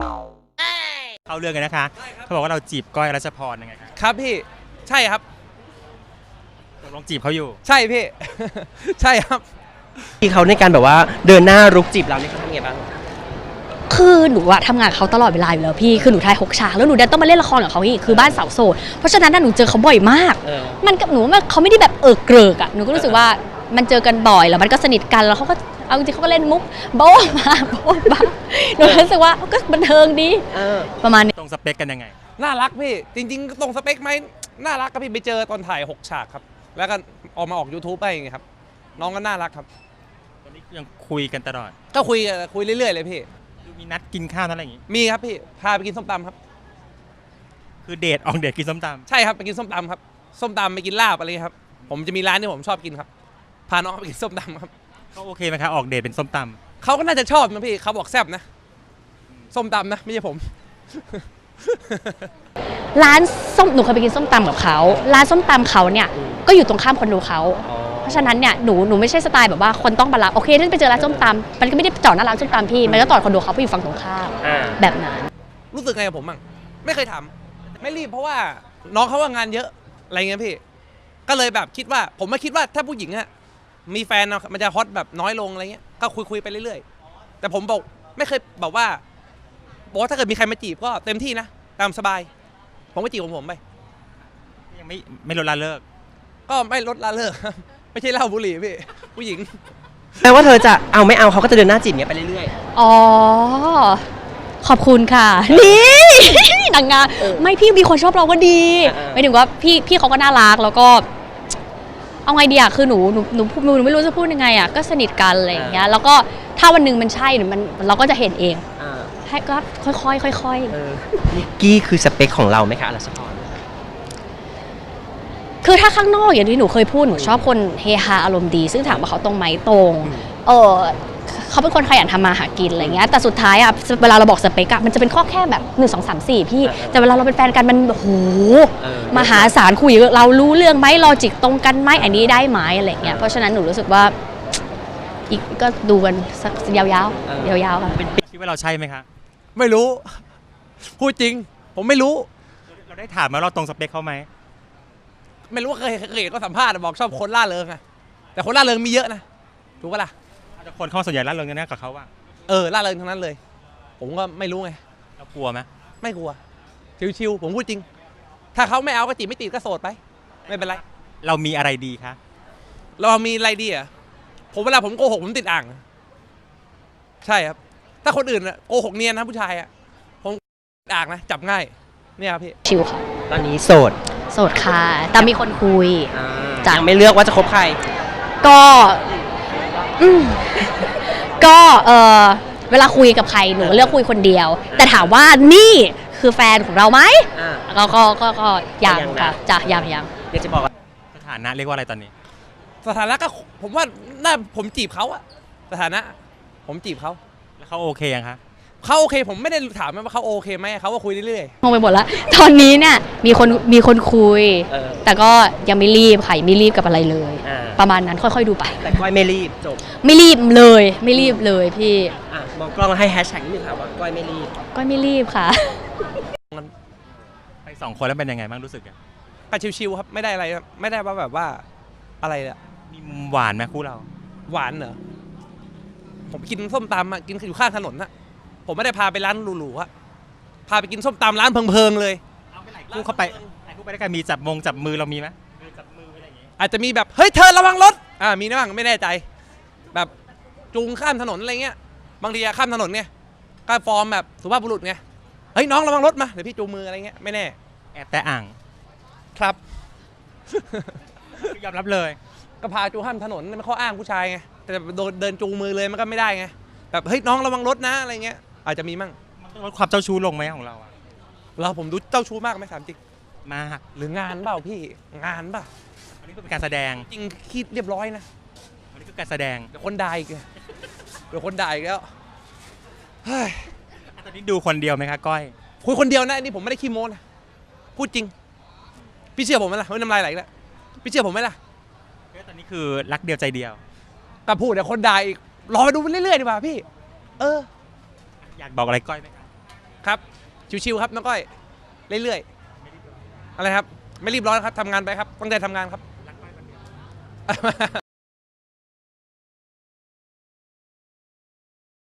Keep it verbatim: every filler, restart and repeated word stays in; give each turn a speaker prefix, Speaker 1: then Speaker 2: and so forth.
Speaker 1: เข้าเรื่องกันนะคะเขาบอกว่าเราจีบก้อยรัชพรยังไงครับ
Speaker 2: ครับพี่ใช่ครับ
Speaker 1: ตกลงจีบเขาอยู่
Speaker 2: ใช่พี่ ใช่ครับ
Speaker 3: ที่เขาในการแบบว่าเดินหน้ารุกจีบเรานี่เขาทำไงบ้าง
Speaker 4: คือหนูอะทำงานเขาตลอดเวลาอยู่แล้วพี่คือหนูถ่ายหกฉากแล้วหนูดันต้องมาเล่นละครกับเขาอีกคือบ้านสาวโสดเพราะฉะนั้นหนูเจอเขาบ่อยมากมันกับหนูว่าเขาไม่ได้แบบเออเกริกอะหนูก็รู้สึกว่ามันเจอกันบ่อยแล้วมันก็สนิทกันแล้วเขาก็เอาจริงเขาก็เล่นมุกโบ๊ะมาโบ๊ะมาหนูรู้สึกว่าก็บันเทิงดีประมาณนี้
Speaker 1: ตรงสเปคกันยังไง
Speaker 2: น่ารักพี่จริงๆตรงสเปคไหมน่ารักครับพี่ไปเจอตอนถ่ายหกฉากครับแล้วก็ออกมาออก ยูทูบ ไปอย่างเงี้ยครับน้องก็น่ารักครับ
Speaker 1: ตอนนี้ยังคุยกันตลอด
Speaker 2: ก็คุยคุยเรื่อยๆเลยพี่
Speaker 1: มีนัดกินข้าวนั่นอะไรอย่างงี้
Speaker 2: มีครับพี่พาไปกินส้มตำครับ
Speaker 1: คือเดทออกเดทกินส้มต
Speaker 2: ำใช่ครับไปกินส้มตำครับส้มตำไปกินลาบอะไรครับผมจะมีร้านที่ผมชอบกินครับพาน้องไปกินส้มตำครับ
Speaker 1: เขาโอเคไหมครับออกเดทเป็นส้มต
Speaker 2: ำเขาก็น่าจะชอบนะพี่เขาบอกแซ่บนะส้มตำนะไม่ใช่ผม
Speaker 4: ร้านส้มหนูเคยไปกินส้มตำกับเขาร้านส้มตำเขาเนี่ยก็อยู่ตรงข้ามคอนโดเขาเพราะฉะนั้นเนี่ยหนูหนูไม่ใช่สไตล์แบบว่าคนต้องมารับโอเคถ้าไปเจอร้านส้มตำมันก็ไม่ได้จอดหน้าร้านส้มตำพี่มันก็จอดคอนโดเขาไปอยู่ฝั่งตรงข้ามแบบนั้น
Speaker 2: รู้สึกไงกับผมบ้างไม่เคยทำไม่รีบเพราะว่าน้องเขาว่างานเยอะอะไรเงี้ยพี่ก็เลยแบบคิดว่าผมไม่คิดว่าถ้าผู้หญิงอะมีแฟนมันจะฮอตแบบน้อยลงอะไรเงี้ยก็คุยคุยไปเรื่อยๆแต่ผมบอกไม่เคยบอกว่าบอกว่าถ้าเกิดมีใครมาจีบก็เต็มที่นะตามสบายผมก็จีบของผมไป
Speaker 1: ยังไม่ไม่ลดละเลิก
Speaker 2: ก็ไม่ลดละเลิกไม่ใช่เหล้าบุหรี่พี่ผู้หญิง
Speaker 3: แปลว่าเธอจะเอาไม่เอาเขาก็จะเดินหน้าจีบเงี้ยไปเรื่อย
Speaker 4: ๆอ๋อขอบคุณค่ะนี่นางงามไม่พี่มีคนชอบเราก็ดีไม่ถึงว่าพี่พี่เขาก็น่ารักแล้วก็เอาไงดีอะคือหนูหนูหนูหนูไม่รู้จะพูดยังไงอะก็สนิทกันอะไรอย่างเงี้ยแล้วก็ถ้าวันหนึ่งมันใช่มันเราก็จะเห็นเองให้ก็ค่อยๆค่อย
Speaker 3: ๆนิกกี้คือสเปคของเราไหมคะรัชพร
Speaker 4: คือถ้าข้างนอกอย่างที่หนูเคยพูดหนูชอบคนเฮฮาอารมณ์ดีซึ่งถามว่าเขาตรงไหมตรงเออเขาเป็นคนขยันทำมาหากินอะไรเงี้ยแต่สุดท้ายอะเวลาเราบอกสเปกอะมันจะเป็นข้อแค่แบบหนึ่งสองสามสี่พี่แต่เวลาเราเป็นแฟนกันมันโหมหาศาลคุยเรารู้เรื่องไหมลอจิกตรงกันไหมอันนี้ได้ไหมอะไรเงี้ยเพราะฉะนั้นหนูรู้สึกว่าอีกก็ดูกันสักยาวๆยาวๆค่ะ
Speaker 1: คิดว่าเราใช่ไหมคะ
Speaker 2: ไม่รู้พูดจริงผมไม่รู้
Speaker 1: เราได้ถามมาเราตรงสเปคเขาไหม
Speaker 2: ไม่รู้ว่าเคยเคยก็สัมภาษณ์บอกชอบคนล่าเริงอะแต่คนล่าเริงมีเยอะนะถูกปะล่ะ
Speaker 1: แต่คนเขาส่วนใหญ่ล่าเริงกันแน่กับเขาว่า
Speaker 2: เออล่าเริงทั้งนั้นเลยผมก็ไม่รู้ไง
Speaker 1: เรากลัวไหม
Speaker 2: ไม่กลัวชิวๆผมพูดจริงถ้าเขาไม่เอาก็จีบไม่ติดก็โสดไปไม่เป็นไร
Speaker 1: เรามีอะไรดีคะ
Speaker 2: เรามีอะไรดีอะผมเวลาผมโกหกผมติดอ่างใช่ครับถ้าคนอื่นโกหกเนียนนะผู้ชายอะผมอ่างนะจับง่ายเนี่ยครับพี่
Speaker 4: ชิวค่ะ
Speaker 3: ตอนนี้โสด
Speaker 4: โสดค่ะแต่มีคนคุย
Speaker 3: ยังไม่เลือกว่าจะคบใคร
Speaker 4: ก็ก็เออเวลาคุยกับใครหนูเลือกคุยคนเดียวแต่ถามว่านี่คือแฟนของเราไหมก็ก็ก็ก็ยังค่ะจ้ะยังยัง
Speaker 3: เดี๋ยวจะบอก
Speaker 1: สถานะเรียกว่าอะไรตอนนี้
Speaker 2: สถานะก็ผมว่าน่าผมจีบเขาอะสถานะผมจีบเขา
Speaker 1: แล้วเขาโอเคยังคะ
Speaker 2: เขาโอเคผมไม่ได้ถามว่าเขาโอเคไหมเขาก็คุยเรื่อย
Speaker 4: ๆงงไปหมดแล้วตอนนี้เนี่ยมีคนมีคนคุยแต่ก็ยังไม่รีบค่ะไม่รีบกับอะไรเลยประมาณนั้นค่อยๆดูไป
Speaker 3: แต่ก้อยไม่รีบจบ
Speaker 4: ไม่รีบเลยไม่รีบเลยพี่
Speaker 3: มองกล้องให้แฮชแท็กนิดนึงค่ะว่าก้อยไม่รีบ
Speaker 4: ก้อยไม่รีบค่ะ
Speaker 1: ไปสองคนแล้วเป็นยังไงบ้างรู้สึก
Speaker 2: ก็ชิวๆครับไม่ได้อะไรไม่ได้ว่าแบบว่าอะไรอะ
Speaker 1: มีมุมหวานไหมคู่เรา
Speaker 2: หวานเหรอผมกินส้มตำอะกินอยู่ข้างถนนนะผมไม่ได้พาไปร้านหรูๆอะพาไปกินส้มตำร้านเพิงๆเลย
Speaker 1: คู่เข้าไปคู่ไปได้กันมีจับมงจับมือเรามีไหมจับมืออะไรอย่างงี้
Speaker 2: อาจจะมีแบบเฮ้ยเธอระวังรถอ่ามีนะบ้างไม่แน่ใจแบบจูงข้ามถนนอะไรเงี้ยบางทีข้ามถนนไงก็ฟอร์มแบบสุภาพบุรุษไงเฮ้ยน้องระวังรถมาเดี๋ยวพี่จูงมืออะไรเงี้ยไม่แน่
Speaker 1: แอบแต่อ่าง
Speaker 2: ครับ
Speaker 1: ยอมรับเลย
Speaker 2: ก็พาจูงข้ามถนนไม่ข้ออ้างผู้ชายไงแต่โดนเดินจูงมือเลยมันก็ไม่ได้ไงแบบเฮ้ยน้องระวังรถนะอะไรเงี้ยอาจจะมีมั่ง
Speaker 1: มันต้องลดความเจ้าชู้ลงไหมของเราอะ
Speaker 2: เราผมดูเจ้าชู้มากไหมถามจริง
Speaker 1: มาก
Speaker 2: หรืองานเปล่าพี่งานเปล่า
Speaker 1: อันนี้เป็นการแสดง
Speaker 2: จริงคิดเรียบร้อยนะ
Speaker 1: อันนี้คือการแสดง
Speaker 2: เดี๋ยวคนด่าอีกเดี๋ยวคนด่าอีกแล้วเฮ้ย
Speaker 1: ตอนนี้ดูคนเดียวไหมคะก้อย
Speaker 2: คุยคนเดียวนะอันนี้ผมไม่ได้ขี้โม้นะพูดจริงพี่เชื่อผมไหมล่ะเฮ้ยน้ำลายไหลแล้วพี่เชื่อผมไหมล่ะ
Speaker 1: ตอนนี้คือรักเดียวใจเดียว
Speaker 2: แต่พูดเดี๋ยวคนด่าอีกรอไปดูไปเรื่อยๆดีกว่าพี่เออ
Speaker 1: อยากบอกอะไรก้อยไหมครับ
Speaker 2: ครับชิวๆครับน้องก้อยเรื่อยๆอะไรครับไม่รีบร้อนครับทำงานไปครับตั้งใจทำงานครับ